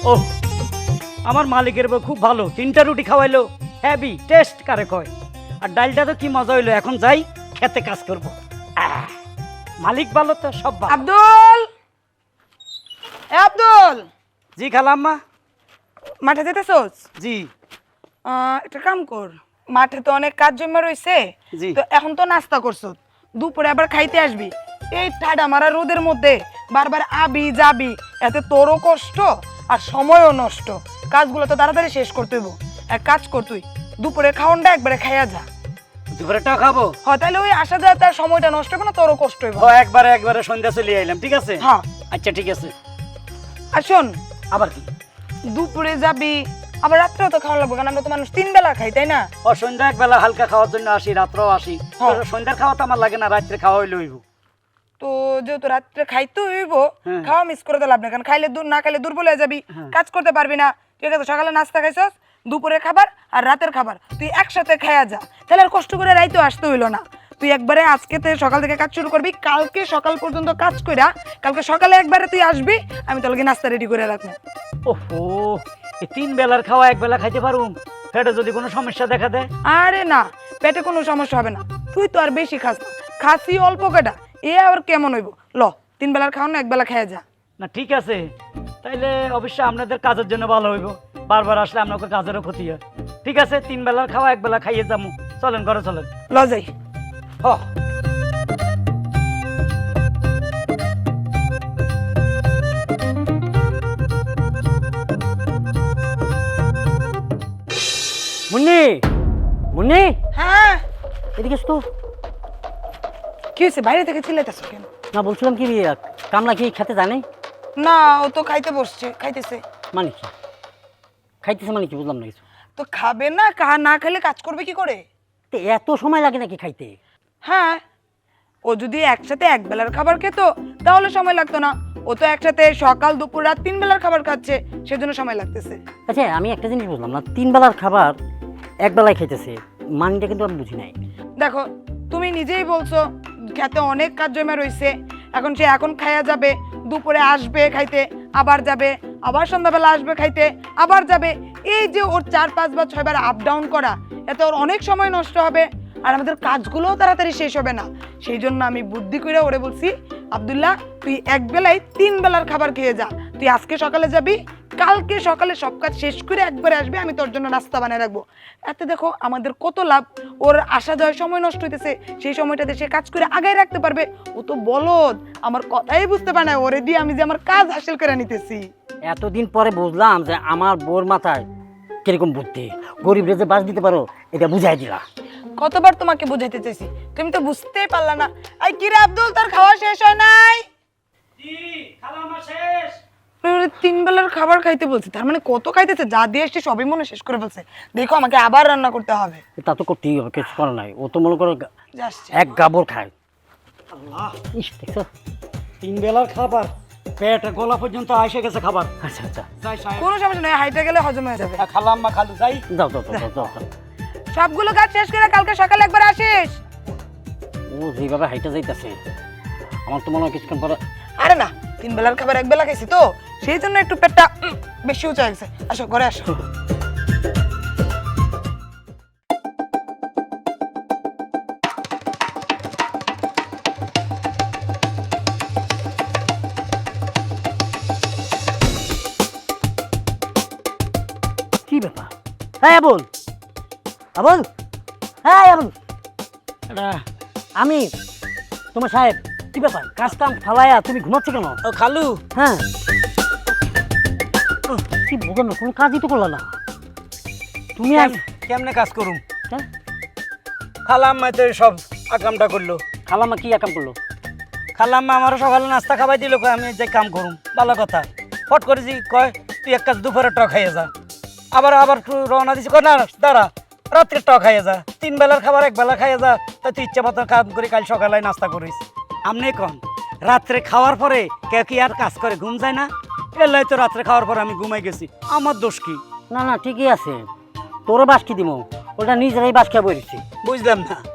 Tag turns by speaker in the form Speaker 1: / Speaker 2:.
Speaker 1: ও আমার মালিকের বউ খুব ভালো, 3টা রুটি খাওয়াইলো, হেভি টেস্ট কারে কয়। আর ডালটা তো কি মজা হইলো, এখন যাই খেতে কাজ করবো। মালিক ভালো তো সব ভালো।
Speaker 2: আব্দুল, এ আব্দুল,
Speaker 1: জি খালাম্মা।
Speaker 2: মাঠে যেতেছস?
Speaker 1: জি।
Speaker 2: একটা কাম কর, মাঠে তো অনেক কাজ জমা রইছে,
Speaker 1: জি।
Speaker 2: তো এখন তো নাস্তা করছ, দুপুরে আবার খাইতে আসবি। এই ঠাডা মারা রোদের মধ্যে বারবার আবি যাবি, এতে তোরও কষ্ট আর সময়ও নষ্ট। কাজগুলো তো তাড়াতাড়ি শেষ করতে হইব। এক কাজ কর, তুই দুপুরে খাওনটা একবারে খাইয়া যা।
Speaker 1: দুপুরেরটা খাবো?
Speaker 2: হয়, তাহলে ওই আসা যায় তার সময়টা নষ্ট হবে না, তোরও কষ্ট হইব।
Speaker 1: ও একবারে সন্ধ্যা চলে আইলাম, ঠিক আছে?
Speaker 2: হ্যাঁ
Speaker 1: আচ্ছা ঠিক আছে।
Speaker 2: আর শোন,
Speaker 1: আবার কি?
Speaker 2: দুপুরে যাবি, আবার রাত্রেও তো খাওয়া লাগবে, কারণ আমরা তো মানুষ 3 বেলা খাই, তাই না?
Speaker 1: ও সন্ধ্যা একবেলা হালকা খাওয়ার জন্য আসি, রাত্রেও আসি।
Speaker 2: হ্যাঁ।
Speaker 1: সন্ধ্যার খাওয়া তো আমার লাগে না, রাত্রে খাওয়া হইলে হইব।
Speaker 2: তো যেহেতু রাত্রে খাইতে হইব,
Speaker 1: হ্যাঁ।
Speaker 2: খাওয়া মিস করে তো লাভ নেই, কারণ খাইলে না খাইলে দুর্বল হয়ে যাবি, কাজ করতে পারবি না। ঠিক আছে, সকালে নাস্তা খাইছস, দুপুরে খাবার আর রাতের খাবার তুই একসাথে খাইয়া যা, তাহলে আর কষ্ট করে রাইতে আসতে হইলো না। তুই একবারে আজকে সকাল থেকে কাজ শুরু করবি, কালকে সকাল পর্যন্ত কাজ কইরা কালকে সকালে একবারে তুই আসবি, আমি তোকে নাস্তা রেডি করে রাখবো।
Speaker 1: ওহো, এই 3 বেলার খাওয়া এক বেলা খাইতে পারুম? পেটে যদি কোনো সমস্যা দেখা দেয়?
Speaker 2: আরে না, পেটে কোনো সমস্যা হবে না, তুই তো আর বেশি খাস না, খাসি অল্প কেটা, এ আবার কেমন হইব? ল, 3 বেলার খাওয়া না, 1 বেলা খাইয়া যা।
Speaker 1: না ঠিক আছে, তাইলে অবশ্যই আপনাদের কাজের জন্য ভালো হইব, বারবার আসলে আপনাকে কাজেরও ক্ষতি হয়। ঠিক আছে, 3 বেলার খাওয়া 1 বেলা খাইয়ে যাবো, চলেন ঘরে চলেন।
Speaker 2: ল যাই।
Speaker 1: হ। মুন্নি, মুন্নি,
Speaker 2: হ্যাঁ,
Speaker 1: এদিকে তো।
Speaker 2: কি হয়েছে? বাইরে থেকে চিল্লাইতেছো কেন?
Speaker 1: না বলছিলাম কি, কামলা কি খেতে জানে?
Speaker 2: না, ও তো খাইতে বসছে, খাইতেছে।
Speaker 1: মানে কি খাইতেছে, মানে কি বুঝলাম না কিছু।
Speaker 2: তো খাবে না, না খেলে কাজ করবে কি করে?
Speaker 1: তো এত সময় লাগে নাকি খাইতে?
Speaker 2: হ্যাঁ, ও যদি একসাথে 1 বেলার খাবার খেত তাহলে সময় লাগতো না, ও তো একসাথে সকাল দুপুর রাত 3 বেলার খাবার খাচ্ছে, সেজন্য সময় লাগতেছে।
Speaker 1: আচ্ছা আমি একটা জিনিস বুঝলাম না, 3 বেলার খাবার 1 বেলায় খাইতেছে, মানটা কিন্তু আমি বুঝি নাই।
Speaker 2: দেখো, তুমি নিজেই বলছো খেতে অনেক কাজ জমা রয়েছে, এখন সে এখন খাইয়া যাবে, দুপুরে আসবে খাইতে, আবার যাবে, আবার সন্ধ্যাবেলা আসবে খাইতে, আবার যাবে। এই যে ওর 4-5 বার 6 বার আপ ডাউন করা, এতে ওর অনেক সময় নষ্ট হবে, আর আমাদের কাজগুলোও তাড়াতাড়ি শেষ হবে না। সেই জন্য আমি বুদ্ধি করে ওরে বলছি, আব্দুল্লাহ তুই 1 বেলায় 3 বেলার খাবার খেয়ে যা, তুই আজকে সকালে যাবি, কালকে সকালে সব কাজ শেষ করে একবারে আসবে, আমি তোর জন্য নাস্তা বানিয়ে রাখবো। এতে দেখো আমাদের কত লাভ, ওর আসা যাওয়ার সময় নষ্ট হইতেছে, সেই সময়টাতে সে কাজ করে আগায় রাখতে পারবে। ও তো বলদ, আমার কথাই বুঝতে পারে না, ওরে দিয়ে আমি যে আমার কাজ হাসিল করে নিতেছি।
Speaker 1: এতদিন পরে বুঝলাম যে আমার বোর মাথায় কিরকম বুদ্ধি, গরিব রেজে বাস দিতে পারো, এটা বুঝাই দিলা।
Speaker 2: কতবার তোমাকে বুঝাইতে চাইছি, তুমি তো বুঝতেই পারলা না। এই কি রে আব্দুল, তোর খাওয়া শেষ হয় নাই?
Speaker 1: জি, খাওয়া আমার শেষ।
Speaker 2: 3 বেলার খাবার খাইতে বলছি, তার মানে কত খাইতেছে, যা দিয়ে এসছে সবই মনে শেষ করে ফেলছে। দেখো আমাকে আবার রান্না করতে হবে।
Speaker 1: তা তো করতেই হবে, কিছু করার নাই, ও তো মনে করো
Speaker 2: যাচ্ছে।
Speaker 1: এক গাবর খায়। আল্লাহ, ইস দেখছো 3 বেলার খাবার পেট গলা পর্যন্ত এসে গেছে খাবার। আচ্ছা আচ্ছা যাই সাহেব,
Speaker 2: কোনো সমস্যা নয়, হাইটে গেলে হজম হয়ে যাবে।
Speaker 1: খালাম্মা খালু যাই। যাও যাও যাও যাও।
Speaker 2: সবগুলো কাজ শেষ করে কালকে সকালে একবার আসিস।
Speaker 1: ও যেভাবে হাইটা যাইতেছে, আমার তো মনে হয় কিছুক্ষণ পরে।
Speaker 2: আরে না, 3 বেলার খাবার 1 বেলা খাইছি তো, সেই জন্য একটু পেটটা বেশি উঁচা গেছে। আসো ঘরে আসো।
Speaker 1: কি ব্যাপার? হ্যাঁ আবুল, আবুল, হ্যাঁ আবুল, এটা আমি তোমার সাহেব। কি ব্যাপার, কাজ কাম ফালাইয়া তুমি ঘুমাচ্ছ কেন? ও খালু। হ্যাঁ, কি বুঝলাম না, কোনো কাজই তো করলা না তুমি। আর
Speaker 3: কেমনে কাজ করুম?
Speaker 1: হ্যাঁ?
Speaker 3: খালাম্মা তো সব আকামটা করলো।
Speaker 1: খালাম্মা কি কাম করলো?
Speaker 3: খালাম্মা আমারও সকালে নাস্তা খাবাই দিল, কয় আমি যে কাম করুম। ভালো কথা, ফট করেছি, কয় তুই এক কাজ দুপুরে টক খাইয়ে যা। আবার একটু রওনা দিছি, কয় না দাঁড়া, রাত্রে টক খাইয়ে যা, 3 বেলার খাবার 1 বেলা খাইয়ে যা, তা তুই ইচ্ছা মতো কাম করে কাল সকালে নাস্তা করিস।
Speaker 1: আমনে কন রাত্রে খাওয়ার পরে কেউ কি আর কাজ করে, ঘুম যায় না? এলাই তো রাত্রে খাওয়ার পরে আমি ঘুমাই গেছি, আমার দোষ কি? না না ঠিকই আছে, তোরও বাস কি দিব, ওটা নিজেরাই বাস খেয়ে বসেছি।
Speaker 3: বুঝলাম না,